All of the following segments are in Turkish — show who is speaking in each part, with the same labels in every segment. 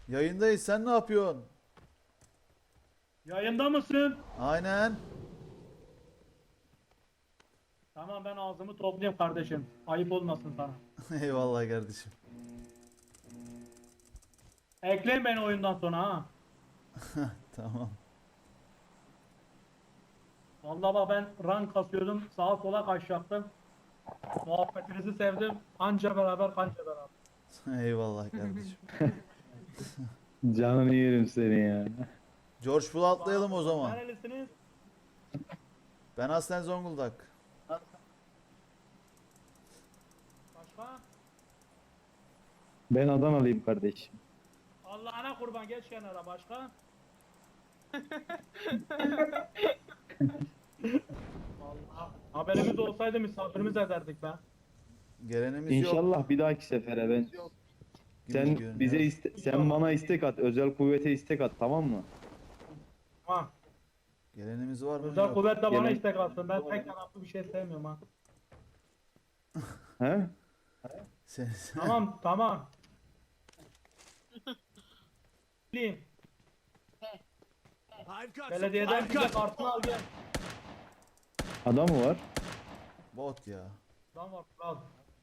Speaker 1: Yayındayız. Sen ne yapıyorsun?
Speaker 2: Yayında mısın?
Speaker 1: Aynen.
Speaker 2: Tamam ben ağzımı toplayayım kardeşim. Ayıp olmasın sana.
Speaker 1: Eyvallah kardeşim.
Speaker 2: Ekleyin beni oyundan sonra ha.
Speaker 1: Tamam.
Speaker 2: Vallahi bak ben rank kasıyordum. Sağa sola kaçacaktım. Muhabbetinizi sevdim. Anca beraber kanca beraber.
Speaker 1: Eyvallah kardeşim.
Speaker 3: Canını yerim seni ya.
Speaker 1: George Bull atlayalım o zaman.
Speaker 2: Nerelisiniz?
Speaker 1: Ben aslen Zonguldak.
Speaker 2: Başka?
Speaker 3: Ben Adanalıyım kardeşim.
Speaker 2: Allah'ına kurban geç kenara başka? Vallahi haberimiz olsaydı misafirimiz ederdik be.
Speaker 1: Gelenimiz yok.
Speaker 3: İnşallah bir dahaki sefere ben.
Speaker 1: Gibi
Speaker 3: Sen
Speaker 1: görünüyor.
Speaker 3: bize sen bana istek at, özel kuvvete istek at, tamam mı?
Speaker 2: Ha.
Speaker 1: Gelenimiz var mı?
Speaker 2: Özel
Speaker 1: Yok.
Speaker 2: kuvvet de bana
Speaker 3: Gelen-
Speaker 2: istek atsın. Ben tek taraflı bir şey sevmiyorum ha.
Speaker 3: He?
Speaker 1: Sen...
Speaker 2: Tamam tamam. Bileyim. Belediyeden bize kartını al gel.
Speaker 3: Adam mı var?
Speaker 1: Bot ya.
Speaker 2: Tamam var al.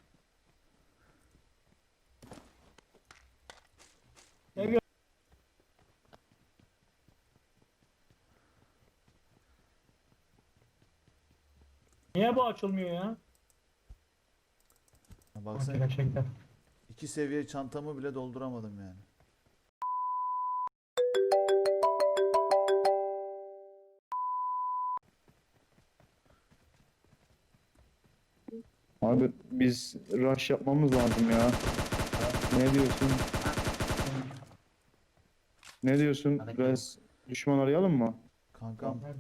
Speaker 2: Gel. Niye bu açılmıyor ya?
Speaker 1: Baksana
Speaker 2: Gerçekten.
Speaker 1: 2 seviye çantamı bile dolduramadım yani.
Speaker 3: Abi biz rush yapmamız lazım ya. Ne diyorsun? Ne diyorsun? Biraz düşman arayalım mı?
Speaker 1: Kankam
Speaker 2: Nerede?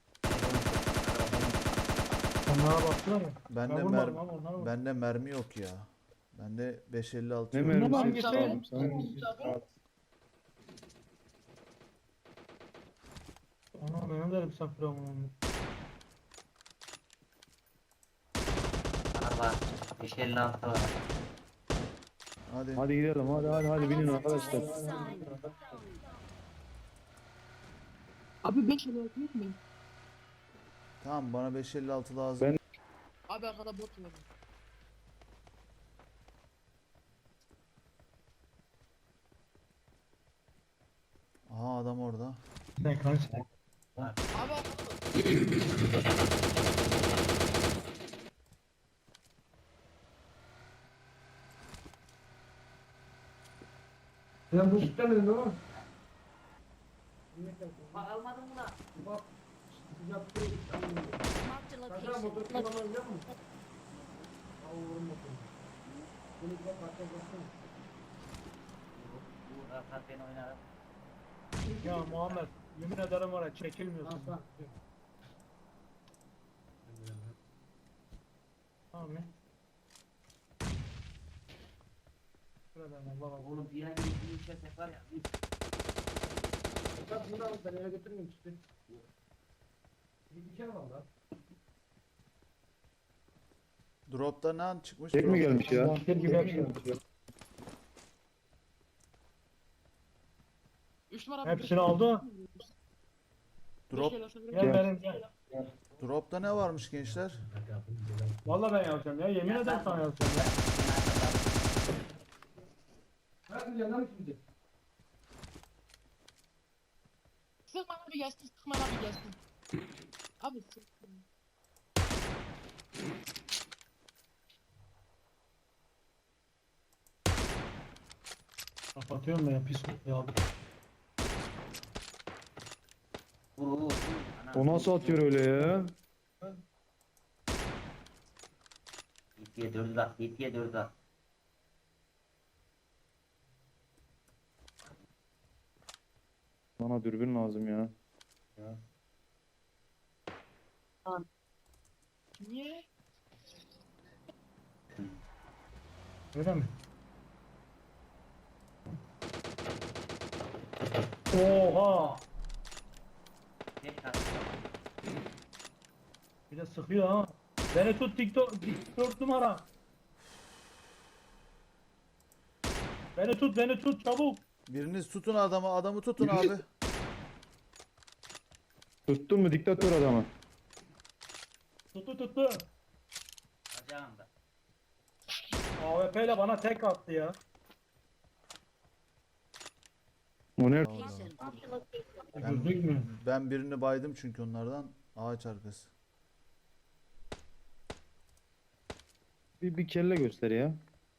Speaker 2: Onlara baktılar ya.
Speaker 1: bende
Speaker 2: Ben vurmadım ama onlara bak.
Speaker 1: bende mermi yok ya. Bende 556
Speaker 3: Ne
Speaker 1: yok.
Speaker 3: mermisi?
Speaker 2: Hangisi?
Speaker 3: Tamam, sen-
Speaker 2: Ana benim de misafir olmam.
Speaker 4: Var. 556 var.
Speaker 1: Hadi.
Speaker 3: Hadi gidelim, hadi binin arkadaşlar.
Speaker 5: Abi 5 lira yok mu?
Speaker 1: Tamam bana 556 lazım.
Speaker 3: Ben-
Speaker 5: Abi arkada bot var.
Speaker 1: Aha adam orada.
Speaker 2: Ne kardeşim?
Speaker 5: Abi arkada.
Speaker 2: Sen bu sütlemedin değil mi?
Speaker 4: Bak almadın mı lan?
Speaker 6: Marked a location.
Speaker 4: Bu rahat ben oynarım.
Speaker 2: Ya Muhammed yemin ederim var ya çekilmiyorsun. Tamam ya. Şuradan Allah Allah.
Speaker 4: Oğlum bir an bir içersek var ya.
Speaker 2: Ben eve götürmeyeyim işte. Bir kere var lan.
Speaker 1: Drop'ta ne an çıkmış?
Speaker 3: Tek mi
Speaker 1: Drop'ta-
Speaker 3: gelmiş ya?
Speaker 2: Vampir gibi hepsini.
Speaker 5: 3 numara.
Speaker 2: Hepsini aldı.
Speaker 1: Drop,
Speaker 2: Gel benim gel.
Speaker 1: drop'ta ne varmış gençler?
Speaker 2: Vallahi ben yazacağım ya. Yemin ederim sana yazacağım ya. Hadi canım şimdi.
Speaker 5: Sıkma abi gelsin, sıkma abi gelsin. Abi sıkma.
Speaker 2: Kapatıyorum ben ya pis ya.
Speaker 4: Vur.
Speaker 3: O nasıl atıyor öyle ya?
Speaker 4: 7'ye 4 at. 7'ye 4 at.
Speaker 3: Bana dürbün lazım ya.
Speaker 5: Niye?
Speaker 2: Öyle mi? Oha!
Speaker 4: Ne at?
Speaker 2: Bir de sıkıyor ha. Beni tut TikTok 4 numara. Beni tut çabuk.
Speaker 1: Biriniz tutun adamı. Adamı tutun abi.
Speaker 3: Tuttun mu diktatör adamı?
Speaker 2: Tuttu.
Speaker 4: Bacağımda.
Speaker 2: AWP ile bana tek attı ya.
Speaker 3: O ne?
Speaker 6: Location.
Speaker 2: Gözlük mü?
Speaker 1: Ben birini baydım çünkü onlardan. Ağaç arkası.
Speaker 3: Bir kelle göster ya.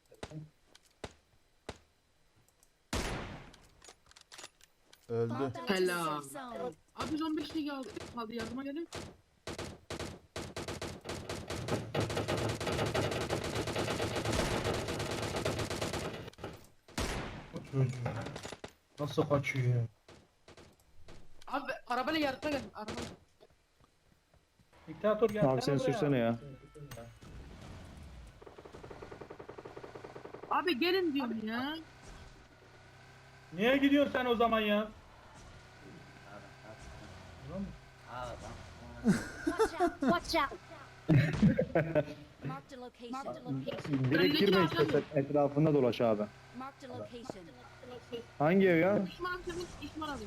Speaker 1: Öldü.
Speaker 6: Bomb out to
Speaker 5: Helal.
Speaker 6: safe zone.
Speaker 5: Abi 115 kişi kaldı yardıma gelin.
Speaker 2: Nasıl kaçıyor ya?
Speaker 5: Abi arabayla yardıma gelin. Araba.
Speaker 2: Diktatör gelsene
Speaker 3: Abi sen
Speaker 2: buraya.
Speaker 3: sürsene ya.
Speaker 5: Abi gelin diyorum ya.
Speaker 2: Niye gidiyorsun sen o zaman ya?
Speaker 4: Adam.
Speaker 6: Watch out. Watch out. Marked a location.
Speaker 3: Direkt girme istersen etrafında dolaş abi.
Speaker 6: Marked a location.
Speaker 3: Hangi ev ya?
Speaker 5: Düşman abi senin düşman abi.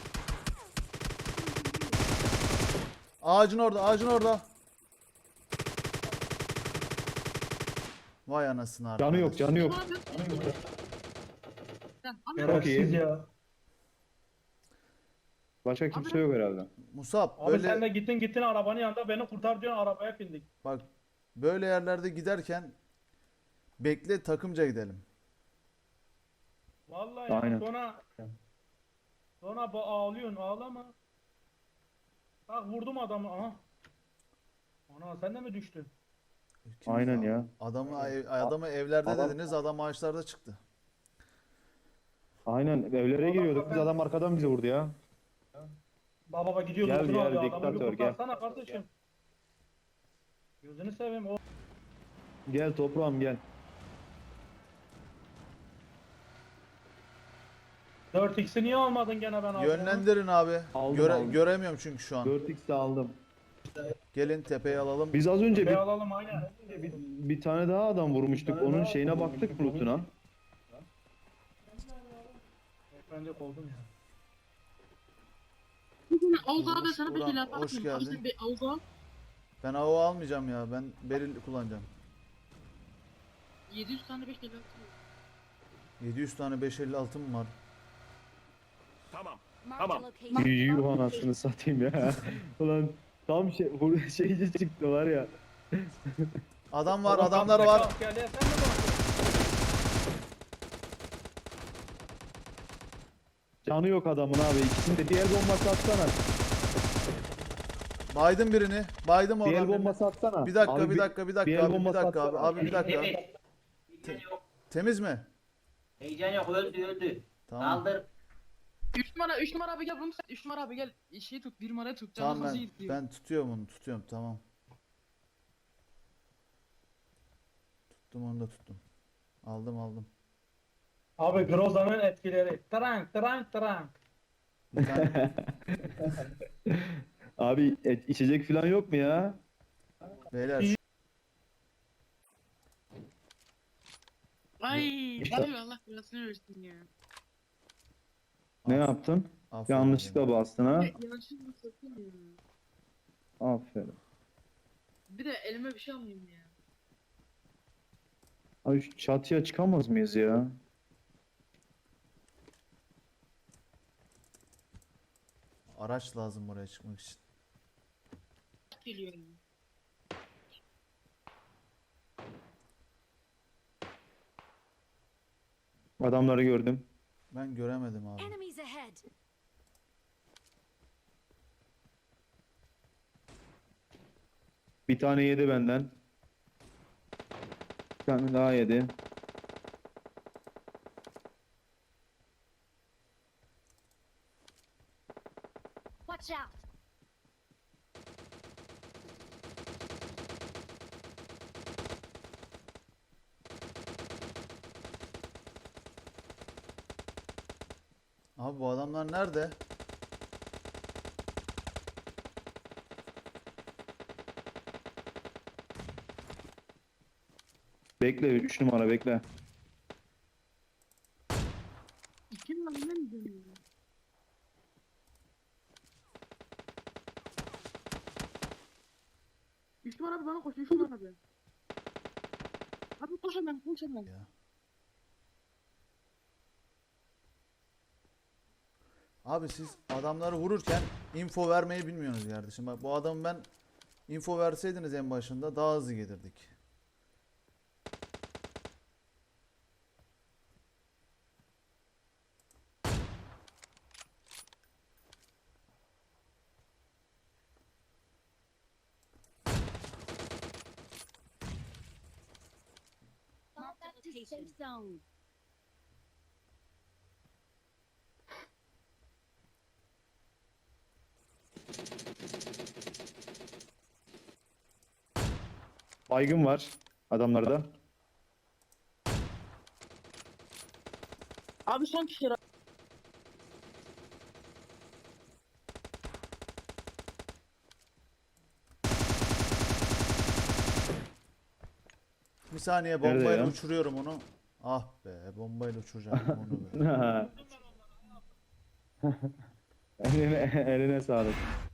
Speaker 1: Ağacın orada. Ağacın orada. Vay anasını
Speaker 3: Canı yok,
Speaker 1: arkadaş.
Speaker 3: canı yok.
Speaker 5: Düşman abi. Sen abi
Speaker 2: Şerefsiz
Speaker 3: iyi.
Speaker 2: ya.
Speaker 3: Başka kimse yok herhalde.
Speaker 1: Musab
Speaker 2: Abi
Speaker 1: böyle
Speaker 2: sen de gittin arabanın yanında beni kurtar diyorsun, arabaya bindik.
Speaker 1: bak, böyle yerlerde giderken bekle, takımca gidelim.
Speaker 2: Vallahi ya,
Speaker 3: Aynen.
Speaker 2: sonra ağlıyorsun, ağlama. Bak vurdum adamı, aha. Ana sen de mi düştün?
Speaker 1: Kim
Speaker 3: Aynen
Speaker 1: abi?
Speaker 3: ya.
Speaker 1: Adamı evlerde
Speaker 3: Adam-
Speaker 1: dediniz, adam ağaçlarda çıktı.
Speaker 3: Aynen evlere giriyorduk biz, adam arkadan bizi vurdu ya.
Speaker 2: Baba gidiyor
Speaker 3: Gel,
Speaker 2: lootunu
Speaker 3: gel,
Speaker 2: alıyor, adamı bir
Speaker 3: diktatör, gel.
Speaker 2: kurtarsana kardeşim. Gözünü seveyim o.
Speaker 3: Gel toprağım gel.
Speaker 2: 4x'i niye almadın gene ben aldım?
Speaker 1: Yönlendirin abi.
Speaker 3: Aldım.
Speaker 1: Göremiyorum çünkü şu an.
Speaker 3: 4x aldım.
Speaker 1: Gelin tepeye alalım.
Speaker 3: Biz az önce
Speaker 2: Bir alalım aynen.
Speaker 3: bir tane daha adam vurmuştuk. Onun şeyine baktık lootuna.
Speaker 2: Ben de oldum ya.
Speaker 5: Avuz abi sana bir
Speaker 1: Ulan,
Speaker 5: şeyler yapar
Speaker 1: hoş
Speaker 5: mısın?
Speaker 1: geldin.
Speaker 5: Abi sen bir Avuz abi.
Speaker 1: Ben AO almayacağım ya. Ben beril kullanacağım.
Speaker 5: 700 tane 5 şeyler.
Speaker 1: 700 tane 556'm var.
Speaker 6: Marked a location.
Speaker 3: Yuh anasını satayım ya. Ulan tam şeyci çıktı var ya.
Speaker 1: Adam var,
Speaker 2: Oğlum,
Speaker 1: adamlar
Speaker 2: kaptaki
Speaker 1: var.
Speaker 2: askerliğe sen mi baktın?
Speaker 3: Canı yok adamın abi. İkisinde bir el bombası atsana.
Speaker 1: Baydım birini. Baydım
Speaker 3: Bir
Speaker 1: oradan
Speaker 3: el
Speaker 1: birini.
Speaker 3: bombası atsana.
Speaker 1: Bir dakika,
Speaker 3: Abi
Speaker 1: bir dakika, bir
Speaker 3: bir
Speaker 1: dakika
Speaker 3: el
Speaker 1: abi, bir
Speaker 3: bombası
Speaker 1: dakika abi.
Speaker 3: atsana.
Speaker 1: Abi bir dakika.
Speaker 4: Evet. Heyecan yok.
Speaker 1: Temiz mi?
Speaker 4: Heyecan yok. Öldü.
Speaker 1: Tamam.
Speaker 4: Kaldır.
Speaker 5: 3 numara abi gel bunu sen 3 numara abi gel. Şey tut 1 numarayı tut. Canı
Speaker 1: Tamam,
Speaker 5: hızlı
Speaker 1: ben
Speaker 5: gidiyor.
Speaker 1: ben tutuyorum onu, tutuyorum, tamam. Tuttum, onu da tuttum. Aldım.
Speaker 2: Abi Groza'nın etkileri. Trank.
Speaker 1: Bir tane
Speaker 3: Abi içecek falan yok mu ya?
Speaker 1: beyler
Speaker 5: Ay
Speaker 3: İşte-
Speaker 5: abi Allah belasını versin ya.
Speaker 3: Ne yaptın?
Speaker 1: aferin
Speaker 3: Yanlışlıkla
Speaker 1: benim.
Speaker 3: bastın ha?
Speaker 5: Yanlışlıkla sakın ya.
Speaker 3: Aferin.
Speaker 5: Bir de elime bir şey almayayım ya.
Speaker 3: Abi şu çatıya çıkamaz mıyız ya?
Speaker 1: Araç lazım oraya çıkmak için.
Speaker 5: Geliyor ya.
Speaker 3: Adamları gördüm.
Speaker 1: Ben göremedim abi.
Speaker 6: Enemies ahead.
Speaker 3: Bir tane yedi benden. Bir tane daha yedi.
Speaker 6: Watch out.
Speaker 1: Abi bu adamlar nerede?
Speaker 3: Bekle 3 numara bekle.
Speaker 5: İkinin önüne mi dönüyor? Düşman abi bana koş, düşman abi. Abi koş hemen, koş hemen.
Speaker 1: Ya. Abi siz adamları vururken info vermeyi bilmiyorsunuz kardeşim. Bak bu adamı ben info verseydiniz en başında daha hızlı gelirdik.
Speaker 6: Marked a location. Safe zone.
Speaker 3: Baygın var adamlarda.
Speaker 5: Abi son kişi.
Speaker 1: Bir saniye
Speaker 3: Nerede
Speaker 1: bombayla
Speaker 3: ya?
Speaker 1: uçuruyorum onu. Ah be bombayla uçuracağım onu be.
Speaker 3: Eline sağlık.